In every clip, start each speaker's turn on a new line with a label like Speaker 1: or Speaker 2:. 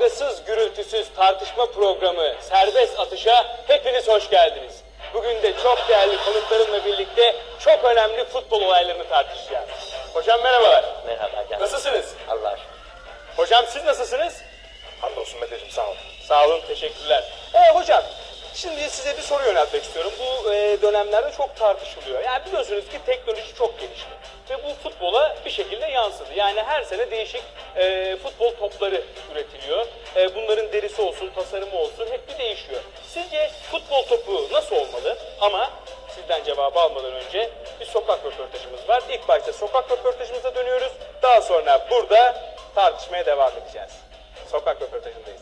Speaker 1: kavgasız, gürültüsüz tartışma programı Serbest Atış'a hepiniz hoş geldiniz. Bugün de çok değerli konuklarımla birlikte çok önemli futbol olaylarını tartışacağız. Hocam merhabalar.
Speaker 2: Merhaba canım.
Speaker 1: Nasılsınız?
Speaker 2: Allah aşkına.
Speaker 1: Hocam siz nasılsınız?
Speaker 3: Hamdolsun Meteciğim, sağ olun.
Speaker 1: Sağ olun, teşekkürler. Hocam, şimdi size bir soru yöneltmek istiyorum. Bu dönemlerde çok tartışılıyor. Yani biliyorsunuz ki teknoloji çok gelişti. Ve bu futbola bir şekilde yansıdı. Yani her sene değişik futbol topları üretiliyor. Bunların derisi olsun, tasarımı olsun hep bir değişiyor. Sizce futbol topu nasıl olmalı? Ama sizden cevabı almadan önce bir sokak röportajımız var. İlk başta sokak röportajımıza dönüyoruz. Daha sonra burada tartışmaya devam edeceğiz. Sokak röportajındayız.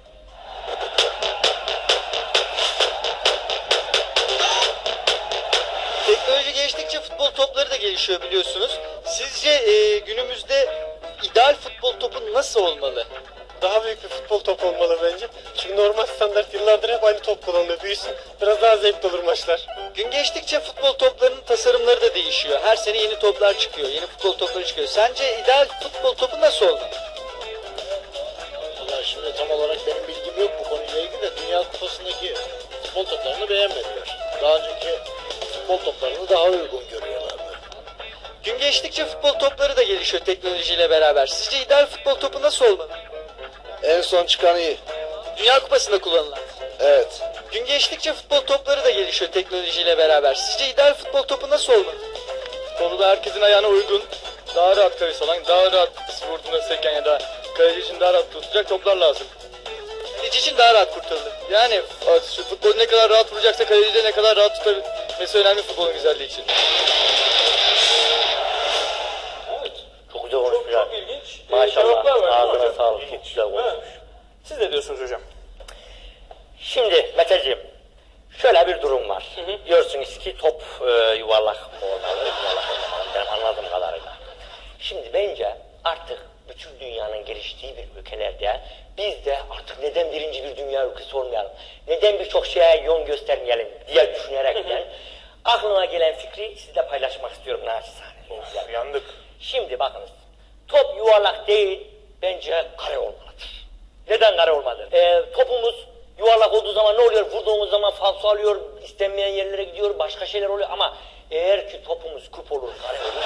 Speaker 4: Teknoloji geliştikçe futbol topları da gelişiyor biliyorsunuz. Sizce günümüzde ideal futbol topu nasıl olmalı?
Speaker 5: Daha büyük bir futbol topu olmalı bence. Çünkü normal standart yıllardır hep aynı top kullanılıyor. Büyüsün, biraz daha zevkli olur maçlar.
Speaker 4: Gün geçtikçe futbol toplarının tasarımları da değişiyor. Her sene yeni toplar çıkıyor, yeni futbol topları çıkıyor. Sence ideal futbol topu nasıl olmalı?
Speaker 6: Vallahi şimdi tam olarak benim bilgim yok bu konuyla ilgili de Dünya Kupası'ndaki futbol toplarını beğenmediler. Daha önceki futbol toplarını daha uygun görüyorlardı.
Speaker 4: Gün geçtikçe futbol topları da gelişiyor teknolojiyle beraber. Sizce ideal futbol topu nasıl olmalı?
Speaker 6: En son çıkan iyi.
Speaker 4: Dünya Kupası'nda kullanılan.
Speaker 6: Evet.
Speaker 4: Gün geçtikçe futbol topları da gelişiyor teknolojiyle beraber. Sizce ideal futbol topu nasıl olmalı?
Speaker 5: Konuda herkesin ayağına uygun, daha rahat kayış alan, daha rahat vurduğunda seken ya da kaleci için daha rahat tutacak toplar lazım.
Speaker 4: Kaleci için daha rahat kurtarılır.
Speaker 5: Yani şu futbolu ne kadar rahat vuracaksa kaleci de ne kadar rahat tutabilmesi önemli futbolun güzelliği için.
Speaker 2: Çok güzel konuşmuşlar.
Speaker 1: Çok ilginç
Speaker 2: Maşallah.
Speaker 1: cevaplar var.
Speaker 2: Ağzına
Speaker 1: Hocam.
Speaker 2: sağlık. Çok güzel konuşmuş.
Speaker 1: Siz ne diyorsunuz hocam?
Speaker 2: Şimdi Meteciğim, şöyle bir durum var. Diyorsunuz ki top yuvarlak olmalı, yuvarlak olmamalı. Benim anladığım kadarıyla. Şimdi bence artık bütün dünyanın geliştiği bir ülkelerde biz de artık neden birinci bir dünya ülkesi olmayalım, neden birçok şeye yön göstermeyelim diye düşünerekten aklıma gelen fikri sizle paylaşmak istiyorum naçizane.
Speaker 3: Of, yandık.
Speaker 2: Şimdi bakınız, top yuvarlak değil, bence kare olmalıdır. Neden kare olmalı? Topumuz yuvarlak olduğu zaman ne oluyor? Vurduğumuz zaman falso alıyor, istenmeyen yerlere gidiyor, başka şeyler oluyor ama eğer ki topumuz küp olur, kare olur,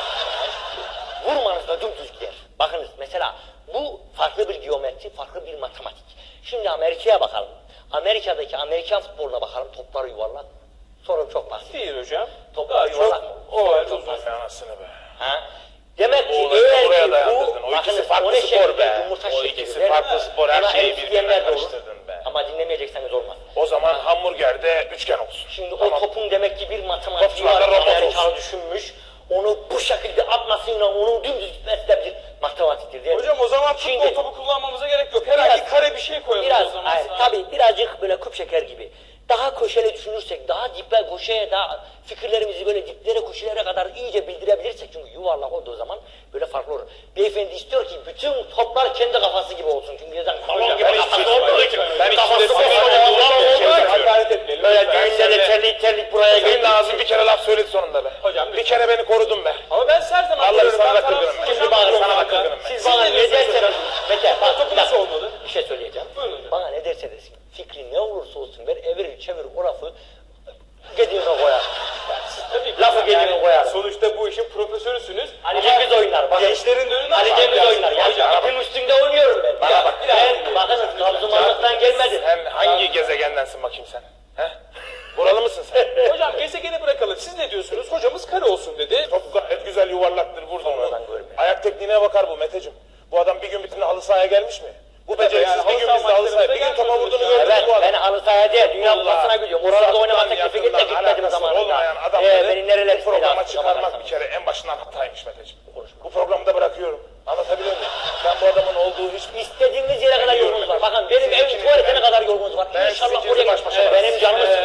Speaker 2: vurmanızda dümdüz gider. Bakınız mesela bu farklı bir geometri, farklı bir matematik. Şimdi Amerika'ya bakalım. Amerika'daki Amerikan futboluna bakalım, topları yuvarlak. Sorun çok basit.
Speaker 1: Değil hocam.
Speaker 2: Toplar yuvarlak mı?
Speaker 1: O
Speaker 2: Çok basit.
Speaker 3: Anasını be.
Speaker 2: Ha? Demek ki
Speaker 3: O olayı oraya
Speaker 2: eğer ki
Speaker 3: dayandırdın.
Speaker 2: bu,
Speaker 3: O ikisi
Speaker 2: bakınız,
Speaker 3: farklı
Speaker 2: o ne
Speaker 3: spor
Speaker 2: şekilde
Speaker 3: be.
Speaker 2: yumurta
Speaker 3: O
Speaker 2: şekli
Speaker 3: ikisi
Speaker 2: verir.
Speaker 3: farklı spor, her
Speaker 2: Ama
Speaker 3: şeyi
Speaker 2: en
Speaker 3: birbirine
Speaker 2: isteyenler de olur.
Speaker 3: karıştırdın be.
Speaker 2: Ama dinlemeyecekseniz olmaz.
Speaker 3: O zaman hamburgerde üçgen olsun.
Speaker 2: Şimdi
Speaker 3: Tamam.
Speaker 2: o topun demek ki bir matematiği
Speaker 3: Topçular
Speaker 2: var.
Speaker 3: da robot
Speaker 2: Amerikalı
Speaker 3: olsun.
Speaker 2: düşünmüş. Onu bu şekilde atmasıyla onun dümdüz gitmesi de bir matematiktir değil mi?
Speaker 1: Hocam o zaman futbol
Speaker 2: Şimdi-
Speaker 1: topu kullanmamıza gerek yok. Herhangi
Speaker 2: Biraz-
Speaker 1: kare bir şey koyalım
Speaker 2: Biraz,
Speaker 1: o zaman.
Speaker 2: hayır, tabii birazcık böyle küp şeker gibi. Daha köşeli düşünürsek, daha diple köşeye, daha fikirlerimizi böyle diplere, köşelere kadar iyice bildirebilirsek, çünkü yuvarlak olduğu zaman böyle farklı olur. Beyefendi istiyor ki bütün toplar kendi kafası gibi olsun. Çünkü neden balon gibi
Speaker 3: ben hiç
Speaker 2: kafası
Speaker 3: düşünmedim.
Speaker 2: olduğu için.
Speaker 3: Ben
Speaker 2: Kafası
Speaker 3: hiç
Speaker 2: kocaman
Speaker 3: düşünmedim.
Speaker 2: olduğu için.
Speaker 1: Hakaret etmeyelim.
Speaker 2: Böyle
Speaker 1: lütfen.
Speaker 2: düğünlerde terlik buraya
Speaker 3: Senin
Speaker 2: geldi.
Speaker 3: ağzın bir kere laf söyledi sonunda be.
Speaker 1: Hocam,
Speaker 3: bir
Speaker 1: lütfen.
Speaker 3: kere beni korudun be.
Speaker 1: Ama ben her zaman
Speaker 3: Vallahi
Speaker 1: diyorum,
Speaker 3: sana
Speaker 1: ben
Speaker 3: da kırgınım
Speaker 1: tarafsız
Speaker 3: ben.
Speaker 1: hocam
Speaker 2: Şimdi bana,
Speaker 1: diyorum
Speaker 2: sana da
Speaker 1: ben.
Speaker 2: kırgınım ben.
Speaker 1: Siz
Speaker 2: Bana
Speaker 1: ne
Speaker 2: ne
Speaker 1: diyorsunuz
Speaker 2: derseniz,
Speaker 1: hocam?
Speaker 2: Mete bak,
Speaker 1: Topu
Speaker 2: bir
Speaker 1: nasıl
Speaker 2: dakika.
Speaker 1: olmalı?
Speaker 2: Bir şey söyleyeceğim.
Speaker 1: Buyurun hocam.
Speaker 2: Bana ne derse desin, fikri ne olursa olsun ver, evirir çevir o lafı gediğine koyar. Lafı gediğine koyar.
Speaker 1: Sonuçta bu işin profesörüsünüz.
Speaker 2: Ali Cengiz oynar. Bakın.
Speaker 1: Gençlerin de önünde
Speaker 2: Ali
Speaker 1: ama
Speaker 2: Cengiz
Speaker 1: biraz-
Speaker 2: oynar. Yani
Speaker 1: Hocam,
Speaker 2: ipin üstünde oynuyorum ben.
Speaker 3: Bana bak.
Speaker 2: Ben bakınız Trabzonlarlıktan gelmedim.
Speaker 3: Sen hangi gezegendensin bakayım sen? He? Buralı mısın sen?
Speaker 1: Hocam gezegeni bırakalım. Siz ne diyorsunuz? Hocamız kare olsun dedi.
Speaker 3: Top gayet güzel yuvarlaktır, vurdun onu.
Speaker 2: Sonradan görmüyor.
Speaker 3: Ayak tekniğine bakar bu Meteciğim. Bu adam bir gün bütün halı sahaya gelmiş mi? Bu beceriksiz
Speaker 1: yani
Speaker 3: bir
Speaker 1: halı
Speaker 3: gün
Speaker 1: saha
Speaker 3: bizde halı sahaya, bir gün
Speaker 1: maçlarımıza
Speaker 3: topa vurduğunu
Speaker 1: gelmiyoruz
Speaker 3: gördün mü
Speaker 2: Evet,
Speaker 3: bu adam?
Speaker 2: ben halı sahaya değil, Dünya Kupası'na gidiyorum. Oralarda oynama
Speaker 3: Uzaktan,
Speaker 2: teklifi git de
Speaker 3: yakından
Speaker 2: gitmedim
Speaker 3: alakası olmayan
Speaker 2: zamanında.
Speaker 3: adamları
Speaker 2: Beni nereler
Speaker 3: bu programa
Speaker 2: istedi
Speaker 3: çıkarmak
Speaker 2: aslında
Speaker 3: bir kere en başından hataymış Meteciğim. Bu programı da bırakıyorum. Anlatabiliyor muyum? Ben bu adamın olduğu hiçbir...
Speaker 2: İstediğiniz yere kadar yolunuz var. Bakın benim evim tuvaletine kadar yolunuz var.
Speaker 3: Ben
Speaker 2: İnşallah
Speaker 3: sizinle
Speaker 2: oraya
Speaker 3: baş başa
Speaker 2: benim canımı sıkın